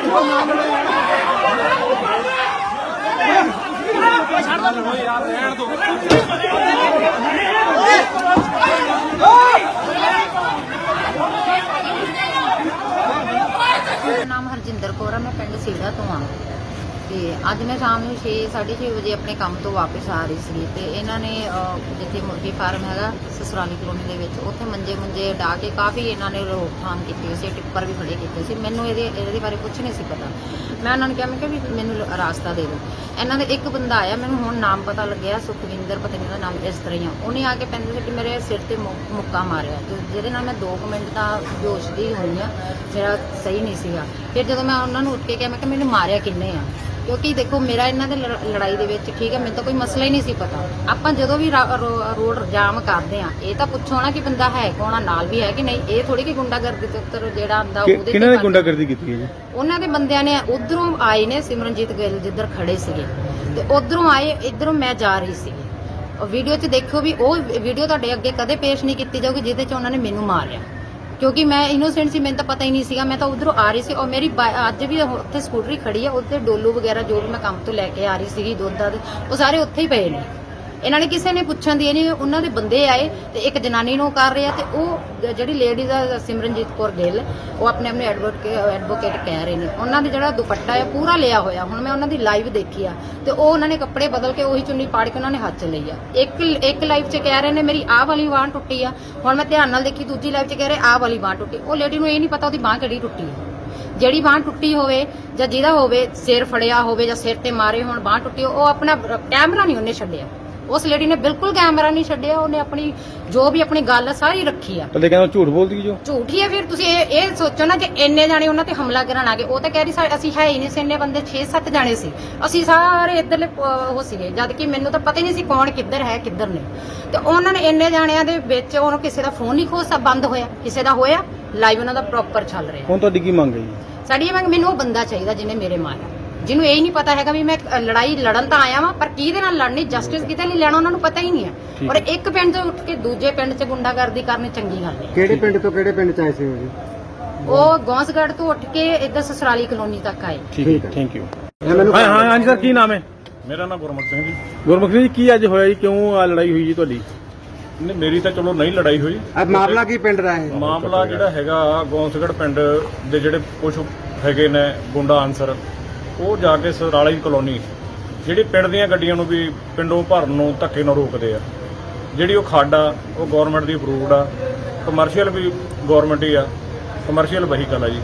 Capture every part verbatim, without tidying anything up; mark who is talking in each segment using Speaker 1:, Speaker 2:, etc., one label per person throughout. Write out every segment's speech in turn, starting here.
Speaker 1: नाम हरजिंदर कौर है, मैं पिंड सीड़ा तो हाँ। तो अज मैं शाम को छे साढ़े छे बजे अपने काम तो वापस आ रही सी तो इन्होंने जिथे मुर्गी फार्म है ससुराली कलोनी के उत्थे मंजे मुंजे डा के काफ़ी इन्होंने रोकथाम की, टिप्पर भी खड़े किए। मैनू ये बारे कुछ नहीं पता। मैं उन्होंने कहा मैं कि मैनू रास्ता दे दो। इन्होंने एक बंदा आया, मैनू हुण नाम पता लग्या सुखविंदर, पता नहीं उसका नाम इस तरह ही आ। उन्हें आके पैंती सिटी मेरे सिर से मुक्का मारिया, जिहदे नाल मैं दो कुछ मिनट का बेहोश दी हुई हाँ, मेरा सही नहीं सीगा। फिर जो मैं उन्होंने उठ के कहा मैं कि मैंने मारिया किन्ने आ, क्योंकि देखो मेरा इन्हों के लड़ाई के विच ठीक है, मैं तो कोई मसला ही नहीं सी पता। आपां जदों भी रोड जाम करते हैं ये तो पुछो ना कि बंदा है कौन आ, नाल भी है कि नहीं। ये थोड़ी कि गुंडागर्दी ते जिहड़ा आंदा ओहदे
Speaker 2: किन्हां ने गुंडागर्दी कीती है जी?
Speaker 1: उन्हां दे बंदियां ने उधरों आए ने, सिमरनजीत गिल जिधर खड़े सीगे ते उधरों आए, इधरों मैं जा रही सी। वीडियो च देखो भी वो वीडियो तुहाडे अगे कदे पेश नहीं की जाऊगी जिहदे च उन्होंने मैनू मारिया, क्योंकि मैं इनोसेंट सी, मैंने तो पता ही नहीं सीगा। मैं तो उधरों आ रही सी और मेरी अज भी उत्थे स्कूटरी खड़ी है, उत्ते डोलू वगैरह जो भी मैं काम तो लैके आ रही सी दुध दध वो सारे उत्थे ही पे ने। इन्होंने किसी ने पुछन दी नहीं, उन्होंने बंदे आए तो एक जनानी नूं कर रहे हैं तो वो जिहड़ी लेडीज है सिमरनजीत कौर गिल वो अपने अपने एडवोकेट एडवोकेट कह रहे हैं। उन्होंने जिहड़ा दुपट्टा है पूरा लिया होया, हुण मैं उन्होंने लाइव देखी आ तो वो उन्होंने कपड़े बदल के उही चुन्नी पाड़ के उन्होंने हाथ च लई आ। एक एक लाइव च कह रहे हैं मेरी आह वाली बांह टुटी आ, हुण मैं ध्यान नाल देखी दूजी लाइव च कह रहे आह वाली बांह टुटी। वो लेडी नूं ये नहीं पता उसदी बांह किहड़ी टुटी है। जिहड़ी बांह टुटी होवे जां जिहदा होवे सिर फड़िया होवे जां सिर ते मारे होण बांह टुटी, वो अपना कैमरा नहीं उन्हें छड्डिया। उस लेडी ने बिल्कुल कैमरा नहीं छड्डिया, उन्हें अपनी जो भी अपनी गल सारी रखी है।
Speaker 2: तो लेकिन झूठ बोलदी जो
Speaker 1: झूठ ही है। फिर तुसीं ये सोचो ना कि इन्ने जाने उन्हां ते हमला करन आ गए। वो तो कह रही असीं है ही नहीं सी, इन्ने बंदे छे सत्त जाने सी, असीं सारे इधरले वो सीगे, जद कि मैनूं तो पता ही नहीं सी कौन किधर है किधर नहीं। तो उन्होंने इन्ने जाणियां दे विच उन्होंने किसी का फोन नहीं खो सब बंद होया, किसी का होया लाइव उन्हां दा प्रॉपर चल रहा।
Speaker 2: हुण तुहाडी की मंग है जी?
Speaker 1: साडी मंग मैनूं वो बंदा चाहिए जिन्हें मेरे मारिया, जिन्हों यही नहीं पता है भी मैं लड़ाई लड़न तो आया वा पर किहदे नाल लड़नी, जस्टिस किते नहीं लेना उन्होंने पता ही नहीं है। और एक पिंड तो उठ के दूजे पिंड च गुंडागर्दी करनी चंगी गल है।
Speaker 3: किहड़े पिंड तो किहड़े पिंड च आए सी जी?
Speaker 1: वो गौंसगढ़ तो उठ के इधर ससुराली कलोनी तक आए।
Speaker 2: ठीक है, थैंक यू। हाँ हाँ हाँ जी सर, की नाम है?
Speaker 4: मेरा नाम गुरमुख सिंह जी।
Speaker 2: गुरमुख सिंह जी, की अज होया जी, क्यों लड़ाई हुई जी तुहाडी?
Speaker 4: नहीं मेरी तो चलो नहीं लड़ाई हुई।
Speaker 3: अब मामला की पिंड रहा है?
Speaker 4: मामला जिहड़ा हैगा गौंसगढ़ पिंड दे जिहड़े कुछ हैगे ने गुंडा आंसर ਉਹ ਜਾ ਕੇ ਸਰਾਲੀ ਕਲੋਨੀ ਜਿਹੜੀ ਪਿੰਡ ਦੀਆਂ ਗੱਡੀਆਂ ਨੂੰ ਵੀ ਪਿੰਡੋਂ ਭਰਨ ਨੂੰ ਧੱਕੇ ਨਾਲ ਰੋਕਦੇ ਆ। ਜਿਹੜੀ ਉਹ ਖੱਡ ਆ ਉਹ ਗਵਰਨਮੈਂਟ ਦੀ ਅਪਰੂਵਡ ਆ, ਕਮਰਸ਼ੀਅਲ ਵੀ ਗਵਰਨਮੈਂਟ ਹੀ ਆ, ਕਮਰਸ਼ੀਅਲ ਵਹੀਕਲ ਆ ਜੀ।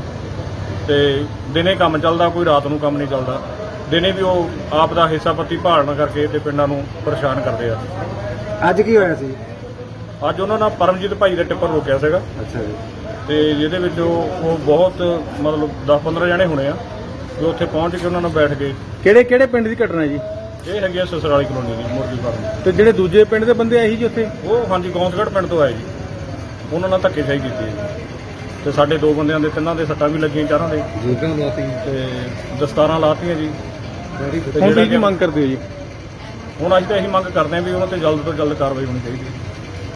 Speaker 4: ਤੇ ਦਿਨੇ ਕੰਮ ਚੱਲਦਾ, ਕੋਈ ਰਾਤ ਨੂੰ ਕੰਮ ਨਹੀਂ ਚੱਲਦਾ। ਦਿਨੇ ਵੀ ਉਹ ਆਪ ਦਾ ਹਿੱਸਾ ਪੱਤੀ ਭਾਲਣ ਕਰਕੇ ਤੇ ਪਿੰਡਾਂ ਨੂੰ ਪਰੇਸ਼ਾਨ ਕਰਦੇ ਆ।
Speaker 3: ਅੱਜ ਕੀ ਹੋਇਆ ਸੀ?
Speaker 4: ਅੱਜ ਉਹਨਾਂ ਨਾਲ ਪਰਮਜੀਤ ਭਾਈ ਦਾ ਟਿੱਪਰ ਰੋਕਿਆ ਸੀਗਾ।
Speaker 3: ਅੱਛਾ ਜੀ।
Speaker 4: ਤੇ ਜਿਹਦੇ ਵਿੱਚ ਉਹ ਬਹੁਤ ਮਤਲਬ ਦਸ ਪੰਦਰਾਂ ਜਣੇ ਹੋਣੇ ਆ ਜੋ ਉੱਥੇ ਪਹੁੰਚ ਕੇ ਉਹਨਾਂ ਨਾਲ ਬੈਠ ਗਏ।
Speaker 2: ਕਿਹੜੇ ਕਿਹੜੇ ਪਿੰਡ ਦੀ ਘਟਨਾ ਜੀ?
Speaker 4: ਇਹ ਹੈਗੀ ਆ ਸਸਰਾਲੀ ਕਲੋਨੀ ਦੀ ਮੁਰਗੀ ਫਾਰਮ।
Speaker 2: ਤੇ ਜਿਹੜੇ ਦੂਜੇ ਪਿੰਡ ਦੇ ਬੰਦੇ ਆਏ ਸੀ ਜੀ ਉੱਥੇ?
Speaker 4: ਉਹ ਹਾਂਜੀ ਗੌਂਸਗੜ੍ਹ ਪਿੰਡ ਤੋਂ ਆਏ ਜੀ, ਉਹਨਾਂ ਨਾਲ ਧੱਕੇਸ਼ਾਹੀ ਕੀਤੀ ਹੈ ਤੇ ਸਾਡੇ ਦੋ ਬੰਦਿਆਂ ਦੇ ਤਿੰਨਾਂ ਦੇ ਸੱਟਾਂ ਵੀ ਲੱਗੀਆਂ, ਚਾਰਾਂ ਦੇ
Speaker 3: ਜੂਤਾਂ ਲਾਤੀਆਂ
Speaker 4: ਤੇ ਦਸਤਾਰਾਂ ਲਾਤੀਆਂ ਜੀ।
Speaker 2: ਹੁਣ ਕੀ ਮੰਗ ਕਰਦੇ ਹੋ ਜੀ?
Speaker 4: ਹੁਣ ਅਸੀਂ ਤਾਂ ਇਹੀ ਮੰਗ ਕਰਦੇ ਹਾਂ ਵੀ ਉਹਨਾਂ ਤੇ ਜਲਦ ਤੋਂ ਜਲਦ ਕਾਰਵਾਈ ਹੋਣੀ ਚਾਹੀਦੀ ਹੈ।